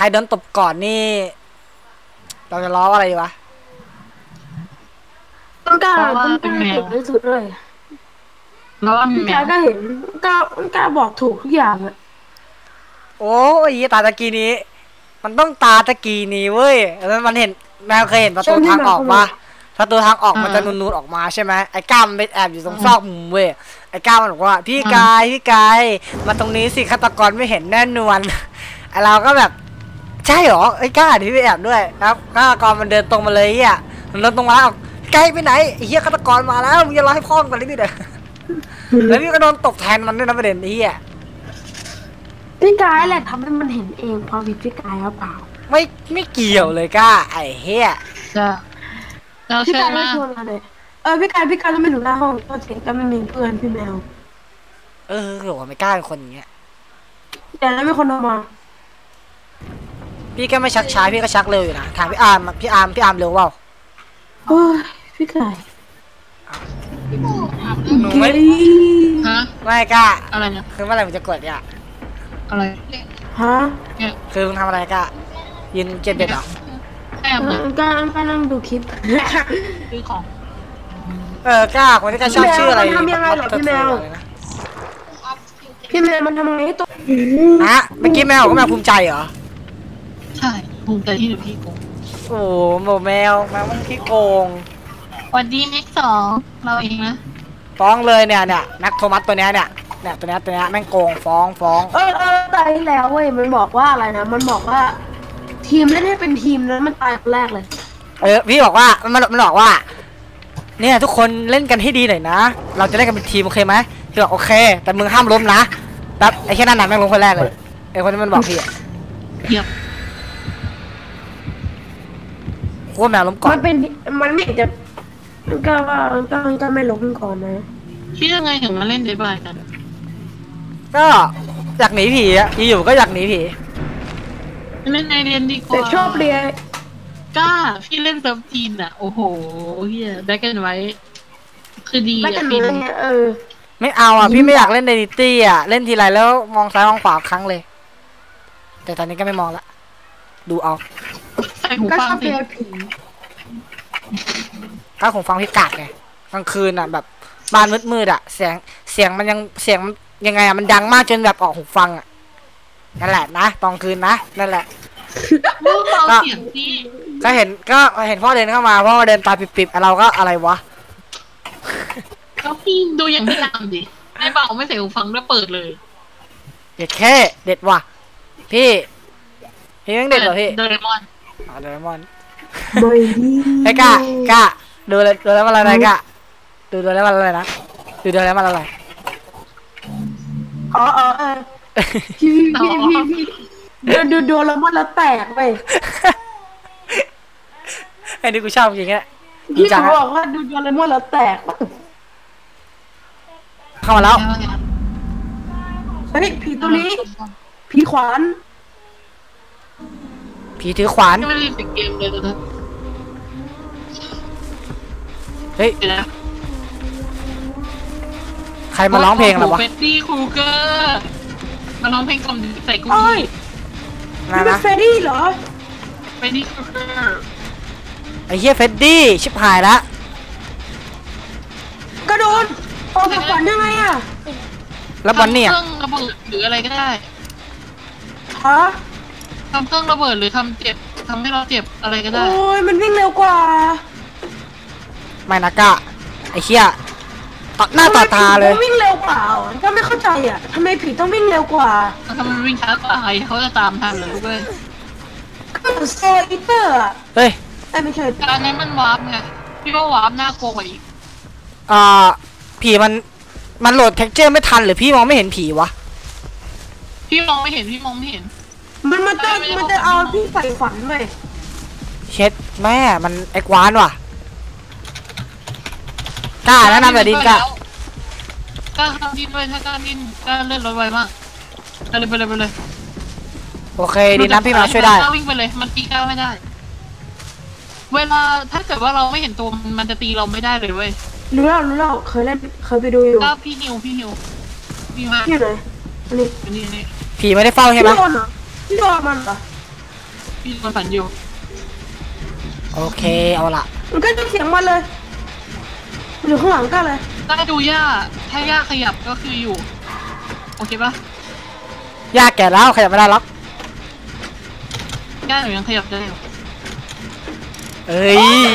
รโดนตบก่อนนี่เราจะล้อว่าอะไรดีวะต้นกล้าเป็นแมวที่สุดเลยแล้วพี่กาก็เห็นกล้าบอกถูกทุกอย่างอะโอ้ยตาตะกี้นี้มันต้องตาตะกี้นี้เว้ยแล้วมันเห็นแมวเคยเห็นประตูทางออกปะประตูทางออกมันจะนูนๆออกมาใช่ไหมไอ้ก้ามมันไปแอบอยู่ตรงซอกมุมเว้ยไอ้ก้ามมันบอกว่าพี่กายมาตรงนี้สิฆาตกรไม่เห็นแน่นอนไอ้เราก็แบบใช่หรอไอ้ก้าที่ไปแอบด้วยครับฆาตกรมันเดินตรงมาเลยอ่ะมันเดินตรงมาแล้วไกลไปไหนไอ้เหี้ยฆาตกรมาแล้วมึงจะรอให้พ่อมก่อนเลยพี่เด้อแล้วพี่ก็โดนตบแทนมันด้วยนะประเด็นนี้อ่ะพี่กายแหละทำให้มันเห็นเองพอวิพี่กายหรือเปล่าไม่เกี่ยวเลยก้าไอ้เหี้ยจะเราพี่กายเชื่อมาไม่ชวนมาเลยพี่กายต้องไปอยู่หน้าห้องตัวเองก็ไม่มีเพื่อนพี่แมวหรือว่าไม่กล้าเป็นคนอย่างเงี้ยแต่แล้วมีคนออกมาพี่ก็ไม่ชักช้าพี่ก็ชักเร็วอยู่นะถามพี่อาร์มเร็วเปล่าโอ้ยพี่กายหนูไม่ฮะไม่กล้าอะไรเนี่ยคือเมื่อไหร่มึงจะกดเนี่ยอะไรฮะคือมึงทำอะไรกล้ายืนเก็บเบ็ดเหรอแอบเลยกล้านั่งดูคลิปซื้อของกล้าคนที่กล้าชอบชื่ออะไรทำยังไงหรอพี่แมวมันทำยังไงให้ตัวฮะเมื่อกี้แมวก็แมวภูมิใจเหรอใช่ภูมิใจที่หนูพี่โกงโอ้โหแมวมันขี้โกงวันดีแม็ก2เราเองนะฟ้องเลยเนี่ยแม็กโทมัสตัวเนี้ยตัวเนี้ยแม่งโกงฟ้องตายแล้วเว้ยมันบอกว่าอะไรนะมันบอกว่าทีมเล่นให้เป็นทีมนั้นมันตายคนแรกเลยพี่บอกว่ามันบอกว่าเนี่ยทุกคนเล่นกันให้ดีหน่อยนะเราจะเล่นกันเป็นทีมโอเคไหมพี่บอกโอเคแต่มึงห้ามล้มนะแล้วไอ้แค่นั้นแม่งล้มคนแรกเลยไอ้คนที่มันบอกพี่เยียบโคตรแมวล้มก่อนมันไม่จะก็ไม่ล้มก่อนนะพี่ยังไงถึงมาเล่นเดบายกันก็อยากหนีผีอยู่ก็อยากหนีผีเล่นในเรียนดีกว่าแต่ชอบเรียนก้าพี่เล่นเซิร์ฟจีนอ่ะโอ้โหเฮียได้กันไว้คือดีอ่ะพี่ไม่เอาพี่ไม่อยากเล่นเดนิตี้เล่นทีไรแล้วมองซ้ายมองขวาครั้งเลยแต่ตอนนี้ก็ไม่มองละดูเอาใส่หูฟังสิก็ผมฟังพี่กาดไงกลางคืนแบบบ้านมืดเสียงมันยังไงมันดังมากจนแบบออกหูฟังนั่นแหละนะตอนคืนนะนั่นแหละก็เห็นพ่อเดินเข้ามาพ่อเดินตาปิบๆเราก็อะไรวะก็พี่ดูอย่างที่ตามดิไม่เบาไม่ใส่หูฟังแล้วเปิดเลยเด็ดแค่เด็ดว่ะพี่ยังเด็ดเหรอพี่โดเรมอนไอ้กะดูแล้วมันอะไรกะดูแล้วมันอะไรนะดูแล้วมันอะไรพี่ดูแล้วมันแล้วแตกไปไอ้นี่กูชอบจริงๆพี่บอกว่าดูแล้วมันแล้วแตกเข้ามาแล้วเฮ้ยผีตัวนี้ผีขวานผีถือขวานไม่ได้ติดเกมเลยตอนนั้นเฮ้ยใครมาร้องเพลงหรอวะเฟดดี้ครูเกอร์มาร้องเพลงกล่อมใส่กูนี่เป็นเฟดดี้เหรอเฟดดี้ครูเกอร์ไอ้เหี้ยเฟดดี้ชิบหายละกระโดดออกจากฝันยังไงแล้วบอลเนี่ยเครื่องระเบิดหรืออะไรก็ได้ฮะทำเครื่องระเบิดหรือทำให้เราเจ็บอะไรก็ได้โอ้ยมันวิ่งเร็วกว่าไม่นะกะไอ้เหี้ยต่อหน้าต่อตาเลยวิ่งเร็วกว่าก็ไม่เข้าใจทำไมผีต้องวิ่งเร็วกว่าทำไมวิ่งช้ากว่าเขาจะตามทันเลยด้วยก็โซอิเตอร์เฮ้ยไม่ใช่การนั้นมันวาร์ปไงพี่ว่าวาร์ปน่ากลัวกว่าอีกผีมันโหลดเท็กเจอร์ไม่ทันหรือพี่มองไม่เห็นผีวะพี่มองไม่เห็นมันจะเอาพี่ใส่ฝันเลยเช็ดแม่มันไอ้กวานว่ะกล้าแล้วนะแบบดินกล้าทำดินด้วยถ้ากล้าดินกล้าเล่นรถไวมากไปเลยโอเคดินน้ำพี่มาช่วยได้วิ่งไปเลยมันตีกล้าไม่ได้เวลาถ้าเกิดว่าเราไม่เห็นตัวมันจะตีเราไม่ได้เลยเว้ยรู้แล้วเคยไปดูอยู่ก็พี่นิวมาที่ไหนนี่ผีไม่ได้เฝ้าใช่ไหมพี่โดนมันเหรอพี่นอนฝันอยู่โอเคเอาละมันก็จะเสียงมันเลยอยู่ข้างหลังก็เลยถ้าดูย่าถ้าย่าขยับก็คืออยู่โอเคปะยากแก่แล้วขยับไม่ได้หรอกย่าหนูยังขยับได้อยู่เอ้ย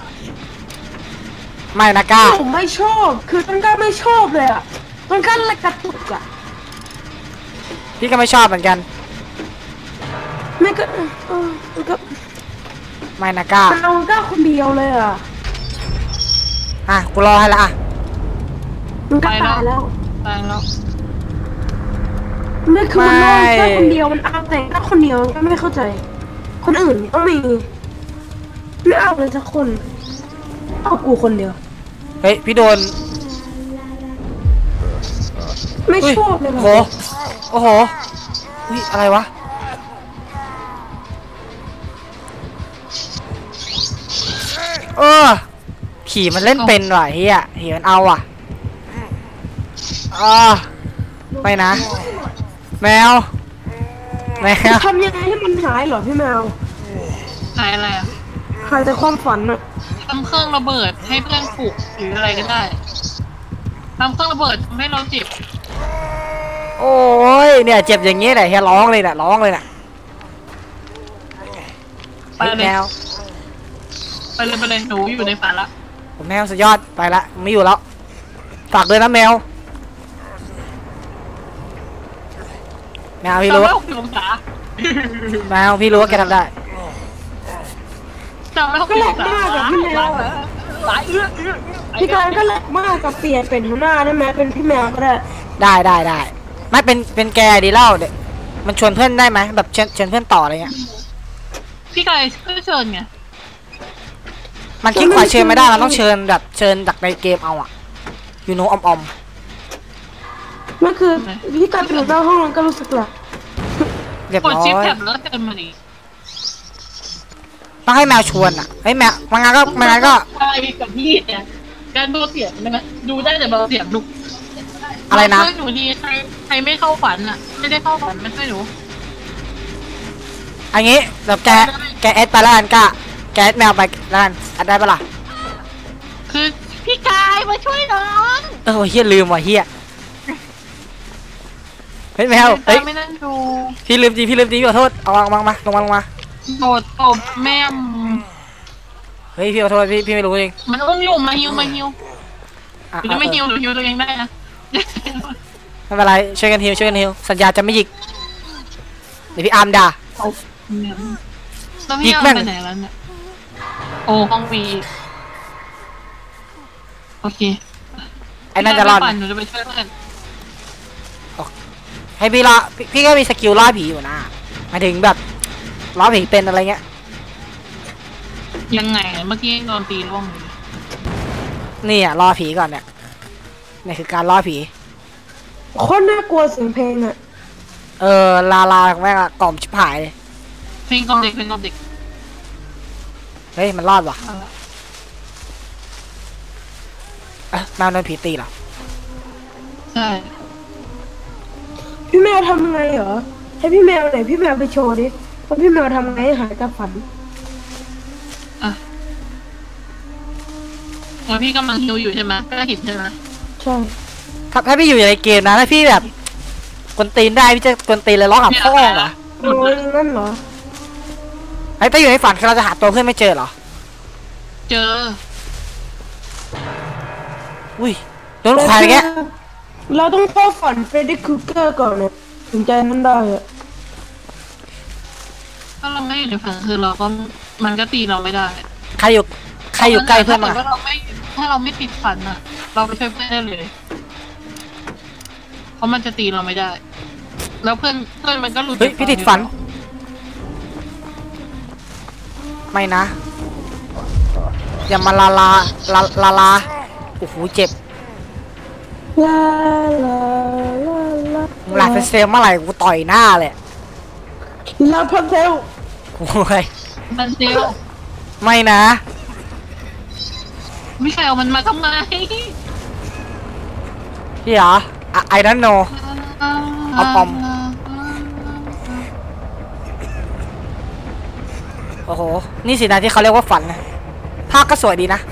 ไม่นะก้าผมไม่ชอบคือต้นกล้าไม่ชอบเลยอ่ะต้นกล้าเลยกระตุกอ่ะพี่ก็ไม่ชอบเหมือนกันไม่ก็มันก็ไม่นะก้ามันเอาก้าคนเดียวเลยอ่ะอ่ะกูรอให้ละอ่ะมันก็ตายแล้วตายแล้วไม่คือมันนอนแค่คนเดียวมันเอาแต่ก้าคนเดียวก็ไม่เข้าใจ คนอื่นต้องมีไม่เอาเลยสักคนเอากูคนเดียวเฮ้ยพี่โดนไม่ชอบเลยโหโอ้โหอุ้ยอะไรวะผีมันเล่นเป็นว่ะเฮียผีมันเอาอ่ะไม่นะแมวทำยังไงให้มันหายเหรอพี่แมวหายอะไรอ่ะหายแต่ความฝันอะทำเครื่องระเบิดให้เพื่อนปลุกหรืออะไรก็ได้ทำเครื่องระเบิดทำให้เราเจ็บโอ้ยเนี่ยเจ็บอย่างงี้แหละเฮียร้องเลยน่ะร้องเลยน่ะไปเลยแมวไปเลยหนูอยู่ในฝันละผมแมวสุดยอดไปละไม่อยู่แล้วฝากด้วยนะแมวพี่รู้ 360 องศาแมวพี่รู้ว่าแกทำได้ก็แหลกมากกับพี่แมวอะสายเอื้อพี่การก็แหลกมากกับเปลี่ยนเป็นหัวหน้าได้ไหมเป็นพี่แมวก็ได้ได้ไม่เป็นแกดีเล่าเด็กมันชวนเพื่อนได้ไหมแบบเชิญเพื่อนต่ออะไรเงี้ยพี่กายก็เชิญไงมันคลิกขวาเชิญไม่ได้มันต้องเชิญแบบเชิญจากในเกมเอาอะยูโนออมนั่นคือพี่การเป็นหัวหน้าห้องก็รู้สึกแหละเรียบกดร้อชิปยแท็บแล้วเชิญมาดิต้องให้แมวชวนอะเฮ้ยแมวมันงั้นก็ใช่กับพี่เนี่ยการดูเสียงได้ไหมดูได้แต่เบาเสียงดูอะไรนะหนูดีใครไม่เข้าฝันอ่ะไม่ได้เข้าฝันไม่ใช่หนูอันนี้แบบแกเอสไปแล้วกันก้าแกเอสแมวไปแล้วกันแอดได้ปะล่ะคือพี่กายมาช่วยน้องเฮียลืมว่ะเฮียเฮ้ยแมวเฮ้ยไม่นั่งดูพี่ลืมจริงพี่ขอโทษเอาลงมาลงมาโดดตบแม่มเฮ้ยพี่ขอโทษพี่ไม่รู้จริงมันอุ้มอยู่มาฮิวอ่ะหรือจะไม่ฮิวหรือฮิวตัวเองได้นะไม่เป็นไรช่วยกันฮิวสัญญาจะไม่หยิกเดี๋ยวพี่อาร์มด่าแล้วพี่เอาไปไหนแล้วเนี่ยโอ้ห้องวีโอเคไอ้นั่นจะรอดหนูจะไปช่วยเพื่อนให้พี่ล่อพี่ก็มีสกิลล่อผีอยู่นะหมายถึงแบบล่อผีเป็นอะไรเงี้ยยังไงเมื่อกี้โดนตีร่วงเลยนี่อ่ะล่อผีก่อนเนี่ยนี่คือการล่อผีโคตรน่ากลัวเสียงเพลงอะลาแม่งอะกล่อมชิบหายเลยเพลงกล่อมเด็กเฮ้ยมันรอดว่ะแมวโดนผีตีเหรอใช่พี่แมวทำไงเหรอให้พี่แมวไหนพี่แมวไปโชว์ดิว่าพี่แมวทำไงให้หายกับฝันแล้วพี่กำลังฮิวอยู่ใช่ไหมก็เห็นใช่ไหมใช่ถ้าพี่อยู่ในเกมนะถ้าพี่แบบกวนตีนได้พี่จะกวนตีนเลยร้องหาพ่อเหรอโอ้ยนั่นเหรอไอ้ถ้าอยู่ในฝันคือเราจะหาตัวเพื่อนไม่เจอเหรอเจออุ้ยโดนควายแกเราต้องเข้าฝันเฟรดดี้ครูเกอร์ก่อนเนี่ยถึงใจมันได้อะถ้าเราไม่อยู่ในฝันคือเราก็มันก็ตีเราไม่ได้ใครอยู่ใกล้เพื่อนมั้งถ้าเราไม่ติดฝันอ่ะ เราไปช่วยเพื่อนได้เลย เพราะมันจะตีเราไม่ได้ แล้วเพื่อนมันก็หลุดเฮ้ยพี่ติดฝันไม่นะอย่ามาลาโอ้โหเจ็บลาลาลาลาหลับเป็นเซลเมื่อไหร่กูต่อยหน้าเลยลาพันเซลโอ้ยมันเซลไม่นะไม่ใช่เอามันมาทำไมพี่เหรอไอ้นั่นโน เอาปอมโอ้โหนี่สินะที่เขาเรียกว่าฝันนะภาพก็สวยดีนะ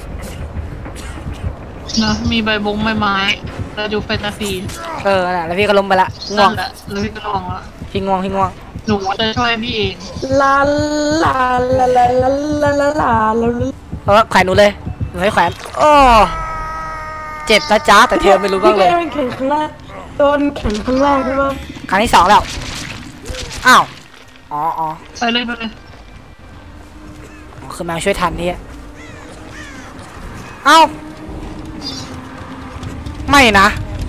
นะมีใบบงใบไม้เราดูแฟนตาซีน่ะแล้วพี่ก็ล้มไปละง่วนั่งนแหละแล้วพี่ก็ลองละพี่ง่วงหนูจะช่วยพี่เองลาลาลาลาลาลาลาลาลาแขวนหนูเลยหนูให้แขวนโอ้เจ็บนะจ๊ะแต่เธอไม่รู้บ้างเลยพี่แข่งครั้งแรกโดนแข่งครั้งแรกใช่ปะครั้งที่2แล้วอ้าวอ๋อไปเลยไปเลยคือแมวช่วยทันนี่เอ้าไม่นะ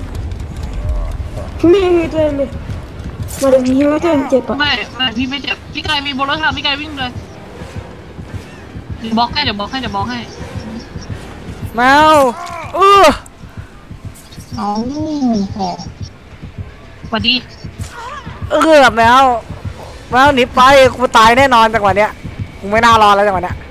มีตัวเองเลยมาดูมีว่าตัวเองเจ็บอ่ะไม่พี่ไม่เจ็บพี่ไก่มีโบลัสค่ะพี่ไก่วิ่งเลยเดี๋ยวบล็อกให้แมวเอาหอสวัสดีแมวหนีไปกูตายแน่นอนจังหวะเนี้ยกูไม่น่ารอแล้วจังหวะเนี้ย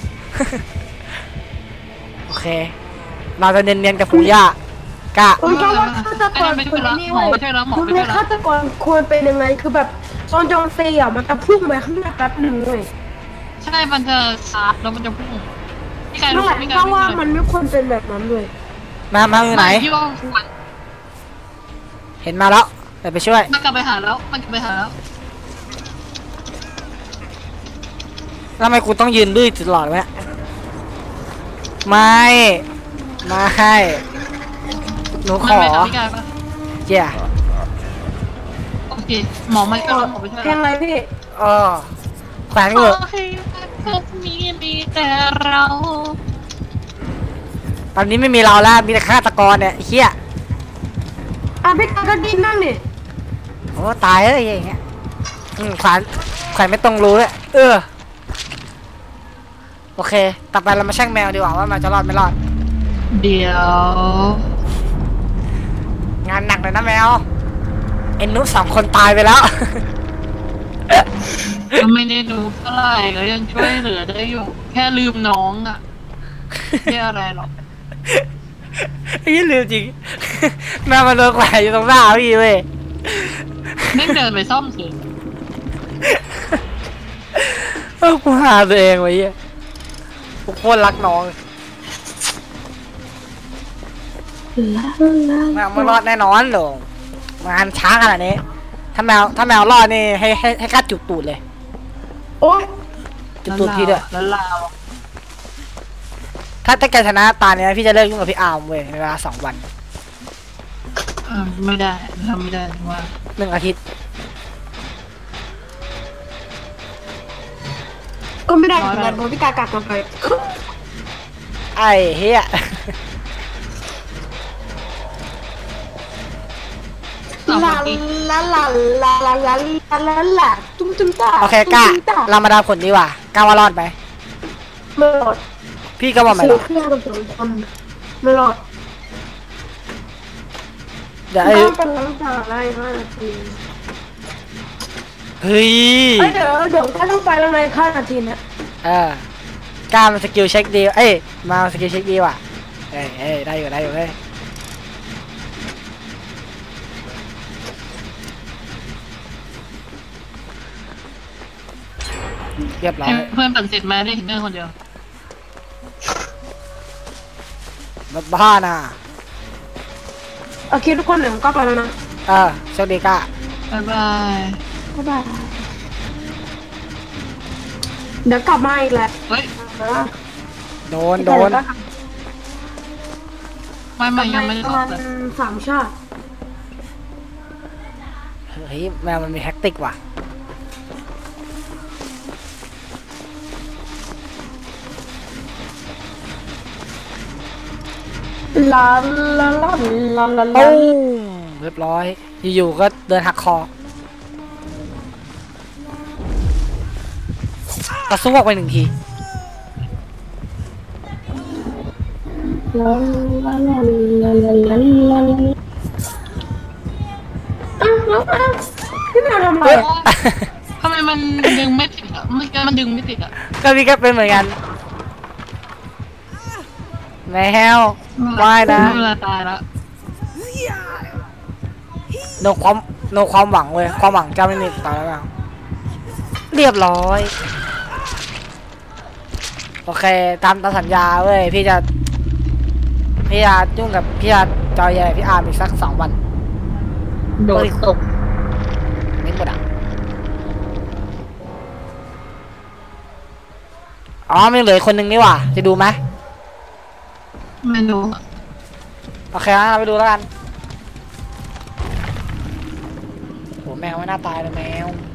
โอเคเราจะเนียนๆกับฟูย่ากะผมแค่ว่าฆาตกรคนนี้เว้ยคุณเนี่ยฆาตกรควรเป็นยังไงคือแบบตอนจองซีอ่ะมันจะพุ่งไปข้างหน้าแป๊บหนึ่งเว้ยใช่มันจะชาร์จแล้วมันจะพุ่งพี่ไก่นั่รู้นแหละพี่ไก่เพราะวิ่งว่าเลยมันไม่ควรเป็นแบบนั้นเลยแมวอยู่ไหนพี่ว่าควรเห็นมาแล้วเดี๋ยวไปช่วยมันกลับไปหาแล้วแล้วทำไมกูต้องยืนดื้อตลอดวะเนี่ยไม่หนูขมันอไปหาพี่ไก่ปะเจ้าโอเคหมอไม่ก็ร้องหมอไปช่วยเพลงอะไรพี่แขวนกูโอเคพวกนี้มีแต่เราตอนนี้ไม่มีเราแล้วมีแต่ฆาตกรเนี่ยไอ้เหี้ยพี่กาก็กินนั่งดิโอ้ตายเลยอย่างเงี้ยแขวนไม่ตรงรู้เลยโอเคต่อไปเรามาแช่งแมวดีกว่าว่าแมวจะรอดไม่รอดเดี๋ยวงานหนักเลยนะแมวเอ็นนุ2 คนตายไปแล้วก็ไม่ได้ดูเท่าไหร่ก็ยังช่วยเหลือได้อยู่ แค่ลืมน้องอ่ะไม่อะไรหรอกไอ้ยี่ลืมจริง แมวมันโดนแขวนอยู่ตรงหน้าพี่เว้ยไม่เดินไปซ่อมสิกูหาตัวเองไว้เหี้ยกูโคตรรักน้องแมวไม่รอดแน่นอนหรอกงานช้าขนาดนี้ถ้าแมวรอดนี่ให้กัดจุดตูดเลยโอ๊ยจุดตูดพี่ด้วยแล้วลาวถ้าแกชนะตาเนี้ยพี่จะเลิกยุ่งกับพี่อาร์มเว้ยในเวลา2 วันไม่ได้ทำไม่ได้ว่า 1 อาทิตย์ก็ไม่ได้เหมือนกันเพราะพี่กากลับมาไปไอ้เฮียลาลาลาลาลาลาลาลาลาตุ้มตาโอเคกล้าเรามาดามผลดีกว่ากล้าว่ารอดไหมไม่รอดพี่ก็บอกไม่ซื้รออดเครื่องกับ2 คนไม่รอดเดี๋ยวต้องเป็นน้ำตาไล่5 นาทีเฮ้ยเดี๋ยวก็ต้องไปแล้วใน5 นาทีนะกล้ามันสกิลเช็คดีมาสกิลเช็คดีว่ะได้อยู่เฮ้ยเรียบร้อยให้เพื่อนปั่นเสร็จมาได้ถึงเรื่องคนเดียวบ้าน่ะโอเคทุกคนเดี๋ยวผมก็ไปแล้วนะโชคดีกล้าบ๊ายบายบ๊ายบายเดี๋ยวกลับมาอีกแหละเฮ้ยโดนไม่ยังไม่ได้ประตอมาบณเลย 3 ชาติเฮ้ยแมวมันมีแท็กติกว่ะลาลาลาลาลาลาปุ้งเรียบร้อยอยู่ๆก็เดินหักคอกระซวกไป1 ทีลาลาลาลาลาลาลาพี่แมวทำอะไรทำไมมันดึงไม่ติดอ่ะมันดึงไม่ติดอ่ะก็พี่ก็เป็นเหมือนกันแมวว่ายนะเวลาตายแล้วโนความหวังเว้ยความหวังจะไม่มีต่อแล้วแมวเรียบร้อยโอเคตามสัญญาเว้ยพี่จะยุ่งกับพี่จะจอยแย่พี่อาร์มอีกสัก2 วันโดดตกไม่หมดอ่ะอ๋อไม่เหลือคนหนึ่งนี่หว่าจะดูไหมเมนูโอเคนะเราไปดูแล้วกันโหแมวไม่น่าตายเลยแมว